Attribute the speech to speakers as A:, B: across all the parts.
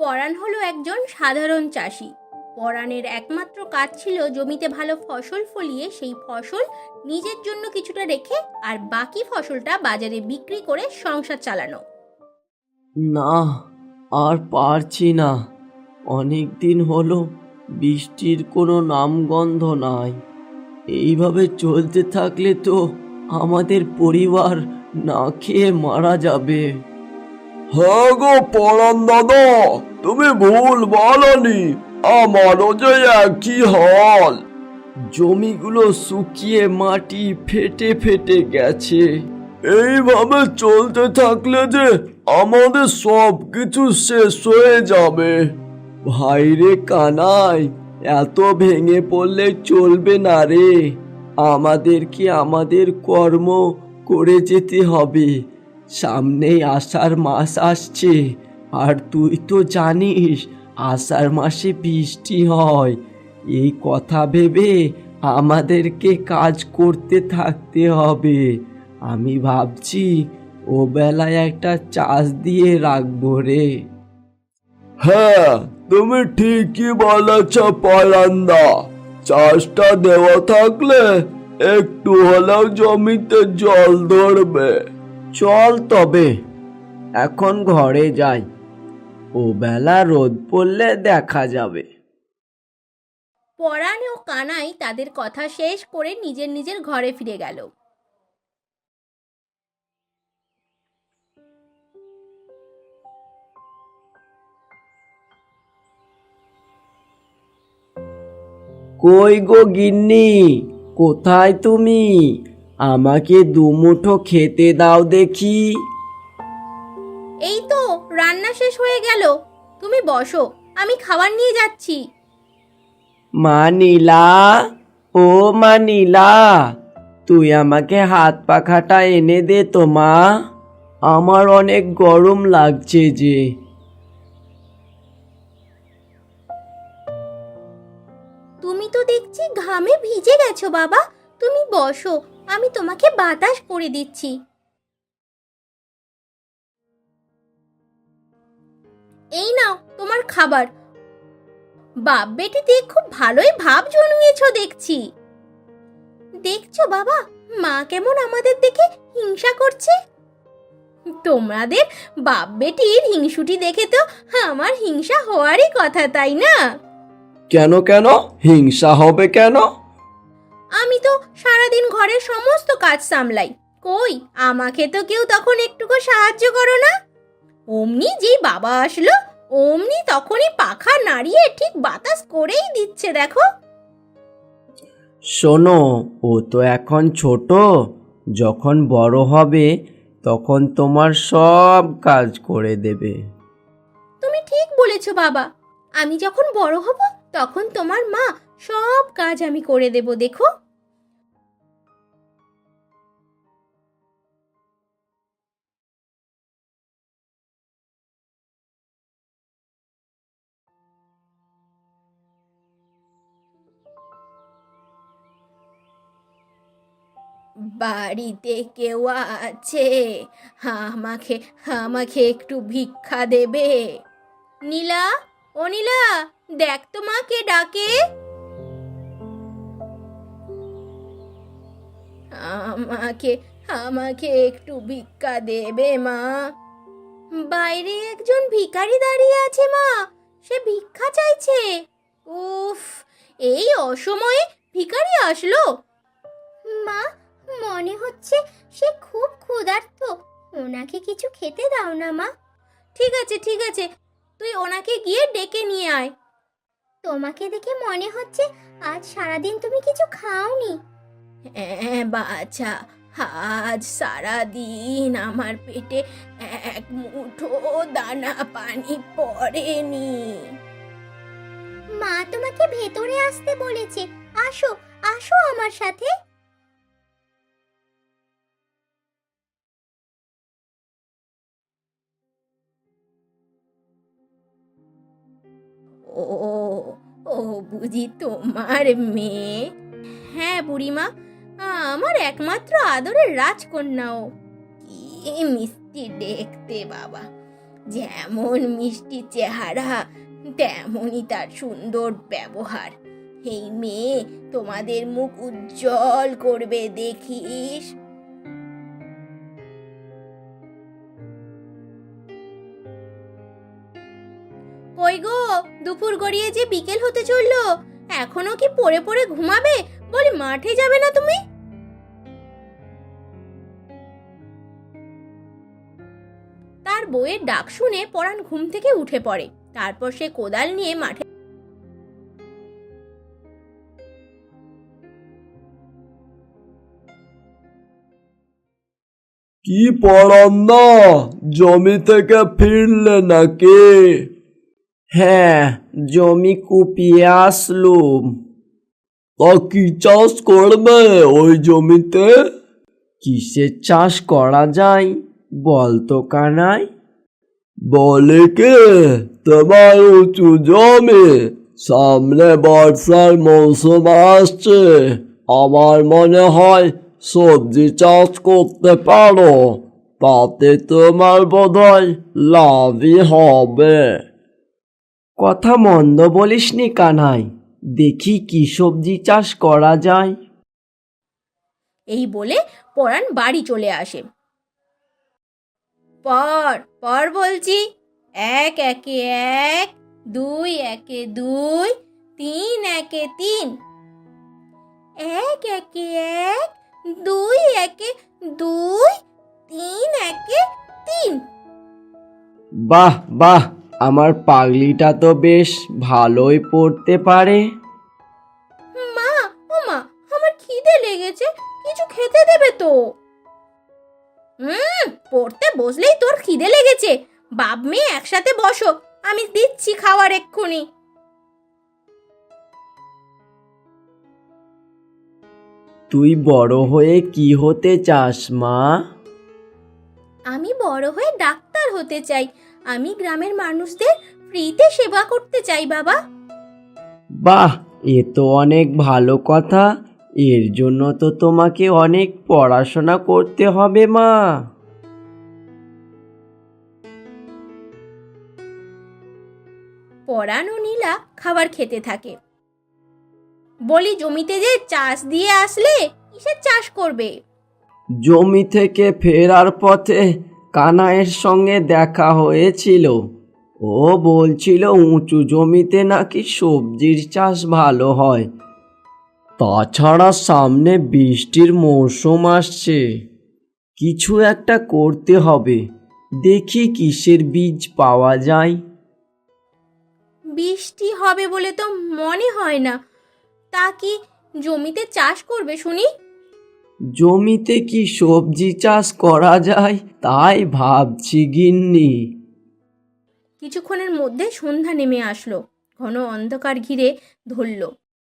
A: পরাণ হলো একজন সাধারণ চাষি। পরাণের একমাত্র কাজ ছিল জমিতে ভালো ফসল ফলিয়ে সেই ফসল নিজের জন্য কিছুটা রেখে আর বাকি ফসলটা বাজারে বিক্রি করে সংসার চালানো।
B: না, আর পারছি না। অনেক দিন হলো বৃষ্টির কোনো নামগন্ধ নাই। এইভাবে চলতে থাকলে তো আমাদের পরিবার না খেয়ে মারা যাবে।
C: হ্যাঁ গো পরাণ দাদা, তুমি ভুল বলনি, আমারও যে একই হাল।
B: জমিগুলো শুকিয়ে মাটি ফেটে ফেটে গেছে।
C: এইভাবে চলতে থাকলে যে আমাদের সব কিছু শেষ হয়ে যাবে।
B: ভাইরে কানাই, এত ভেঙে পড়লে চলবে না রে। আমাদেরকে আমাদের কর্ম করে যেতে হবে। সামনেই আষাঢ় মাস আসছে, আর তুই তো জানিস আষাঢ় মাসে বৃষ্টি হয়। এই কথা ভেবে আমাদেরকে কাজ করতে থাকতে হবে। আমি ভাবছি ও বেলায় একটা চাষ দিয়ে রাখবো রে।
C: হ্যাঁ, তুমি ঠিকই বলেছ পরান্দা। চাষটা দেওয়া থাকলে একটু হলেও জমিতে জল ধরবে।
B: চল তবে এখন ঘরে যাই, ও বেলা রোদ পড়লে দেখা যাবে।
A: পরাণ ও কানাই তাদের কথা শেষ করে নিজের নিজের ঘরে ফিরে গেল।
B: কই গো গিন্নি, কোথায় তুমি? আমাকে দুমুঠো খেতে দাও দেখি।
A: এই তো রান্না শেষ হয়ে গেল, তুমি বসো, আমি খাবার নিয়ে যাচ্ছি।
B: মা নীলা, ও মা নীলা, তুই আমাকে হাত পাখাটা এনে দে তো মা। আমার অনেক গরম লাগছে যে।
A: তুমি তো দেখছি ঘামে ভিজে গেছো বাবা, তুমি বসো, আমি তোমাকে বাতাস করে দিচ্ছি। এই নাও তোমার খাবার। বাপ বেটিতে খুব ভালোই ভাব জন্মিয়েছো দেখছি। দেখছো বাবা, মা কেমন আমাদের দেখে হিংসা করছে। তোমাদের বাপ বেটির হিংসুটি দেখে তো আমার হিংসা হওয়ারই কথা, তাই না?
B: কেন কেন হিংসা হবে কেন?
A: আমি তো সারাদিন ঘরের সমস্ত কাজ সামলাই, কই আমাকে তো কেউ তখন একটুকু সাহায্য করো না। অমনি যেই বাবা আসলো অমনি তখনই পাখা নাড়িয়ে ঠিক বাতাস করেই দিচ্ছে দেখো।
B: শোনো, ও তো এখন ছোট, যখন বড় হবে তখন তোমার সব কাজ করে দেবে।
A: তুমি ঠিক বলেছো বাবা, আমি যখন বড় হব তখন তোমার মা সব কাজ আমি করে দেব দেখো। বাড়িতে কেউ আছে? আমাকে আমাকে একটু ভিক্ষা দেবে? নীলা, ও নীলা, দেখ তো মা কে ডাকে। আমাকে আমাকে একটু ভিক্ষা দেবে মা? বাইরে একজন ভিখারি দাঁড়িয়ে আছে মা, সে ভিক্ষা চাইছে। উফ, এই অসময়ে ভিখারি আসলো। মা, মনে হচ্ছে সে খুব ক্ষুধার্ত, ওনাকে কিছু খেতে দাও না মা। ঠিক আছে ঠিক আছে, তুই ওনাকে গিয়ে ডেকে নিয়ে আয়। তোমাকে দেখে মনে হচ্ছে আজ সারাদিন তুমি কিছু খাওনি। হ্যাঁ বাছা, আজ সারাদিন আমার পেটে এক মুঠো দানা পানি পড়েনি। মা তোমাকে ভেতরে আসতে বলেছে, আসো আসো আমার সাথে। ও, ও বুঝি তোমার মেয়ে? হ্যাঁ বুড়িমা, আমার একমাত্র আদরের রাজকন্যা ও। কি মিষ্টি দেখতে বাবা, যেমন মিষ্টি চেহারা তেমনই তার সুন্দর ব্যবহার। এই মেয়ে তোমাদের মুখ উজ্জ্বল করবে, দেখিস। কই গো, দুপুর গড়িয়ে যে বিকেল হতে চললো, এখনো কি পড়ে পড়ে ঘুমাবে? বলি মাঠে যাবে না তুমি? তার বউয়ের ডাক শুনে পরাণ ঘুম থেকে উঠে পড়ে। তারপর সে কোদাল নিয়ে মাঠে।
C: কি পড়ান না, জমি থেকে ফিরলে নাকি?
B: হ্যাঁ, জমি কুপিয়ে আসলুম।
C: তা কি চাষ করবে ওই জমিতে?
B: কিসের চাষ করা যায় বলতো কানাই?
C: বলে কে, তোমার উঁচু জমি, সামনে বর্ষার মৌসুম আসছে, আমার মনে হয় সবজি চাষ করতে পারো, তাতে তোমার বোধহয় লাভই হবে।
B: কথা মন্দ বলিসনি কানাই, দেখি কি সবজি চাষ করা যায়।
A: এই বলে পরাণ বাড়ি চলে আসে। পর পর বলছি, এক একে এক, দুই একে দুই, তিন একে তিন। এক একে এক, দুই একে দুই, তিন একে তিন।
B: বাহ বাহ, আমার পাগলিটা তো বেশ ভালোই পড়তে পারে।
A: মা, ও মা, আমার খিদে লেগেছে, কিছু খেতে দেবে তো? পড়তে বসলেই তোর খিদে লেগেছে? বাপ মেয়ে একসাথে বসো, আমি দিচ্ছি খাবার এক্ষুনি।
B: তুই বড় হয়ে কি হতে চাস মা?
A: আমি বড় হয়ে ডাক্তার হতে চাই। আমি গ্রামের মানুষদের ফ্রিতে সেবা করতে চাই বাবা।
B: বাহ, এ তো অনেক ভালো কথা। এর জন্য তো তোমাকে অনেক পড়াশোনা করতে হবে মা।
A: পরাণ ও নীলা খাবার খেতে থাকে। বলি, জমিতে যে চাষ দিয়ে আসলে, কিসের চাষ করবে?
B: জমি থেকে ফেরার পথে কানাইয়ের সঙ্গে দেখা হয়েছিল। ও বলছিল উঁচু জমিতে নাকি সবজির চাষ ভালো হয়। তাছাড়া সামনে বৃষ্টির মৌসুম আসছে, কিছু একটা করতে হবে। দেখি কিসের বীজ পাওয়া যায়।
A: বৃষ্টি হবে বলে তো মনে হয় না। তা কি জমিতে চাষ করবে শুনি?
B: জমিতে কি সবজি চাষ করা যায় তাই ভাবছি গিন্নি।
A: কিছুক্ষণের মধ্যে সন্ধ্যা নেমে আসলো, ঘন অন্ধকার ঘিরে ধরল।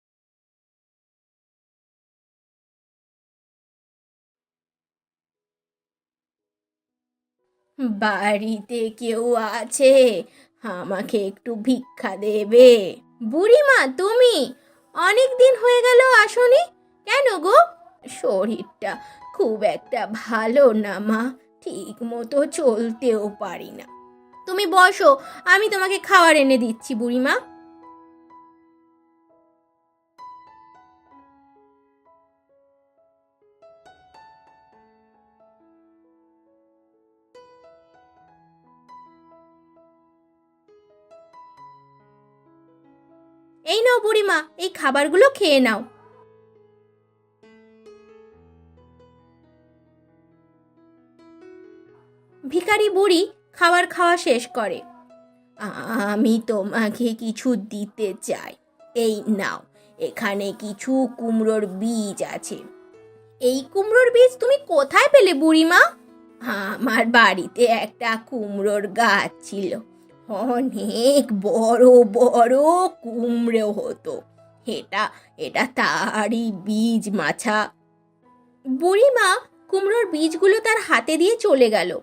A: বাড়িতে কেউ আছে? আমাকে একটু ভিক্ষা দেবে? বুড়িমা, তুমি? অনেক দিন হয়ে গেল আসনি কেন গো? শরীরটা খুব একটা ভালো না মা, ঠিক মতো চলতেও পারি না। তুমি বসো, আমি তোমাকে খাবার এনে দিচ্ছি বুড়িমা। এই নাও বুড়িমা, এই খাবারগুলো খেয়ে নাও। ভিখারি বুড়ি খাবার খাওয়া শেষ করে। আমি তোমাকে কিছু দিতে চাই, এই নাও, এখানে কিছু কুমড়োর বীজ আছে। এই কুমড়োর বীজ তুমি কোথায় পেলে বুড়িমা? আমার বাড়িতে একটা কুমড়োর গাছ ছিল, অনেক বড় বড় কুমড়ো হতো। এটা এটা তারই বীজ মাছা। বুড়িমা কুমড়োর বীজগুলো তার হাতে দিয়ে চলে গেল।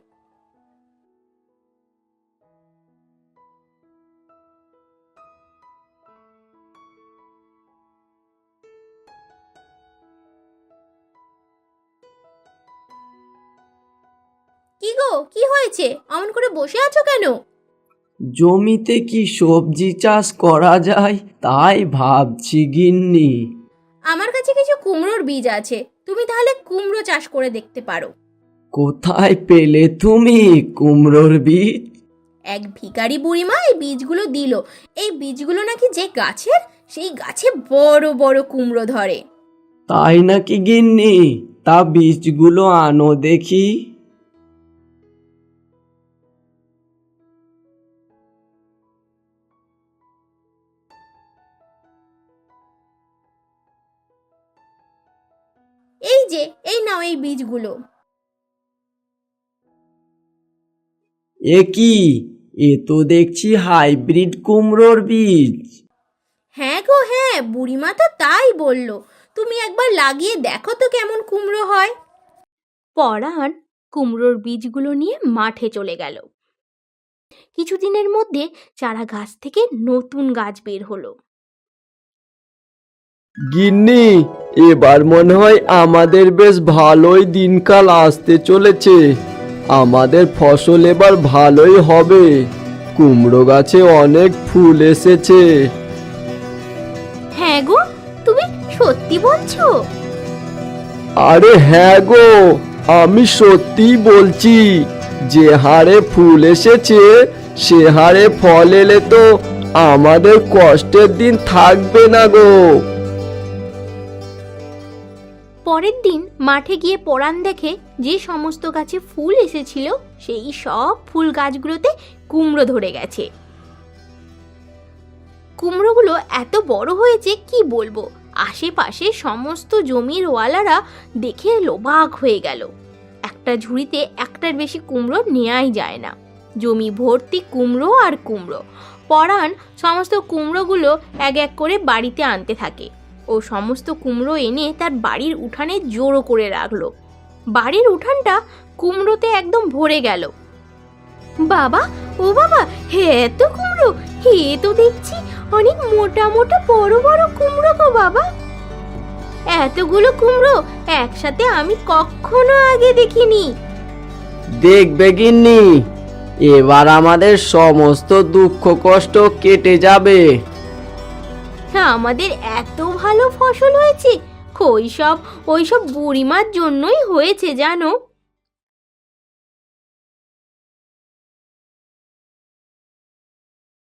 A: কি গো, কি হয়েছে? অমন করে বসে আছো কেন?
B: জমিতে কি সবজি চাষ করা যায় তাই ভাবছি গিন্নি।
A: আমার কাছে কিছু কুমড়োর বীজ আছে, তুমি তাহলে কুমড়ো চাষ করে দেখতে পারো।
B: কোথায় পেলে তুমি কুমড়োর বীজ?
A: এক ভিখারি বুড়িমা এই বীজগুলো দিল। এই বীজগুলো নাকি যে গাছের, সেই গাছে বড় বড় কুমড়ো ধরে।
B: তাই নাকি গিন্নি? তা বীজগুলো আনো দেখি।
A: এই যে, এই নাও এই বীজগুলো।
B: এ কি? এ তো দেখছি হাইব্রিড কুমড়োর বীজ।
A: হ্যাঁ গো হ্যাঁ, বুড়িমা তো তাই বলল। তুমি একবার লাগিয়ে দেখো তো কেমন কুমড়ো হয়। পরাণ কুমড়োর বীজগুলো নিয়ে মাঠে চলে গেল। কিছুদিনের মধ্যে চারা গাছ থেকে নতুন গাছ বের হলো।
C: গিন্নি, এবার মনে হয় আমাদের বেশ ভালোই দিনকাল আসতে চলেছে। আমাদের ফসল এবার ভালোই হবে। কুমড়ো গাছে অনেক ফুল এসেছে।
A: হ্যাঁ গো, তুমি সত্যি বলছো?
C: আরে হ্যাঁ গো, আমি সত্যিই বলছি। যে হারে ফুল এসেছে সে হারে ফল এলে তো আমাদের কষ্টের দিন থাকবে না গো।
A: পরের দিন মাঠে গিয়ে পরাণ দেখে যে সমস্ত গাছে ফুল এসেছিল সেই সব ফুল গাছগুলোতে কুমড়ো ধরে গেছে। কুমড়োগুলো এত বড় হয়েছে কি বলবো, আশেপাশে সমস্ত জমির ওয়ালারা দেখে লোবাক হয়ে গেল। একটা ঝুড়িতে একটার বেশি কুমড়ো নেওয়াই যায় না। জমি ভর্তি কুমড়ো আর কুমড়ো। পরাণ সমস্ত কুমড়োগুলো এক এক করে বাড়িতে আনতে থাকে ও সমস্ত কুমড়ো এনে তার বাড়ির উঠানে জড়ো করে রাখলো। বাড়ির উঠানটা কুমড়োতে একদম ভরে গেল। বাবা, ও বাবা, হে এত কুমড়ো! হে তো দেখছি অনেক মোটা মোটা বড় বড় কুমড়ো গো বাবা। এতগুলো কুমড়ো একসাথে আমি কখনো আগে দেখিনি।
B: দেখবে গিন্নি, এবার আমাদের সমস্ত দুঃখ কষ্ট কেটে যাবে।
A: আমাদের এত ভালো ফসল হয়েছে, ওইসব বুড়িমার জন্যই হয়েছে জানো।